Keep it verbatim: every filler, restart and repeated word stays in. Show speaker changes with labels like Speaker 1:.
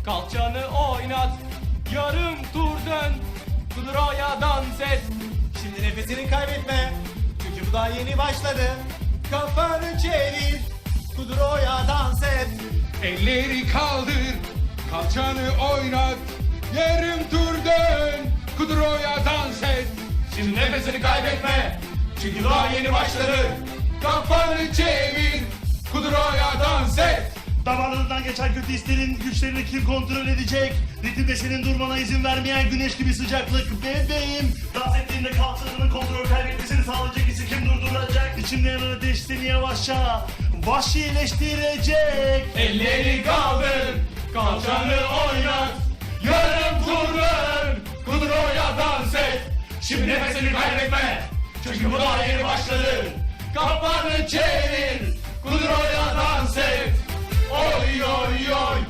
Speaker 1: Kalçanı oynat, yarım tur dön, kudroya dans et.
Speaker 2: Şimdi nefesini kaybetme. Çünkü bu daha yeni başladı. Kafanı çevir. Kudroya dans et.
Speaker 3: Elleri kaldır, kalçanı oynat, yarım tur dön, kudroya dans et.
Speaker 1: Şimdi nefesini kaybetme, çünkü daha yeni başladı.
Speaker 3: Kafanı çevir, kudroya dans et.
Speaker 4: Damarlarından geçen kötü hislerin güçlerini kim kontrol edecek? Ritimde senin durmana izin vermeyen güneş gibi sıcaklık bebeğim. Dans ettiğinde kalçalarının kontrol kaybetmesini sağlayacak hissi kim durduracak? İçimde yanan ateş seni yavaşça vahşileştirecek.
Speaker 1: Elleri kaldır, kalçanı oynat, yarım tur dön, kudroya dans et. Şimdi nefesini kaybetme, çünkü bu daha yeni başladı. Kafanı çevir, kudroya dans et. Oy oy oy,